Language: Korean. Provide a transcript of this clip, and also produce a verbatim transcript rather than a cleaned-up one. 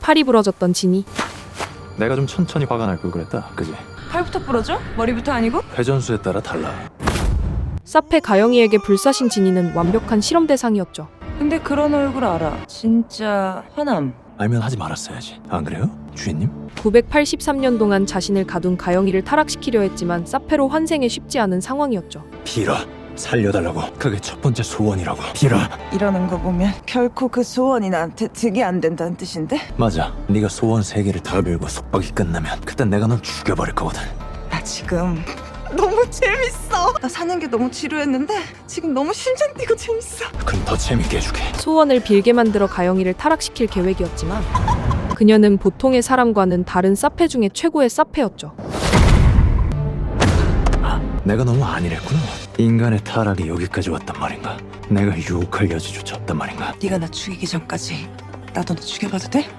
팔이 부러졌던 진이. 내가 좀 천천히 화가 날 걸 그랬다, 그지? 팔부터 부러져? 머리부터 아니고? 회전수에 따라 달라. 사페 가영이에게 불사신 진이는 완벽한 실험 대상이었죠. 근데 그런 얼굴 알아. 진짜 화남. 알면 하지 말았어야지. 안 그래요, 주인님? 구백팔십삼 년 동안 자신을 가둔 가영이를 타락시키려 했지만 사페로 환생에 쉽지 않은 상황이었죠. 빌어, 살려달라고. 그게 첫 번째 소원이라고. 빌어. 이러는 거 보면 결코 그 소원이 나한테 득이 안 된다는 뜻인데? 맞아. 네가 소원 세 개를 다 빌고 속박이 끝나면 그땐 내가 널 죽여버릴 거거든. 나 지금 너무 재밌어. 나 사는 게 너무 지루했는데 지금 너무 심장 뛰고 재밌어. 그럼 더 재밌게 해줄게. 소원을 빌게 만들어 가영이를 타락시킬 계획이었지만 그녀는 보통의 사람과는 다른 사페 중에 최고의 사페였죠. 내가 너무 안일했구나. 인간의 타락이 여기까지 왔단 말인가? 내가 유혹할 여지조차 없단 말인가? 네가 나 죽이기 전까지 나도 너 죽여봐도 돼?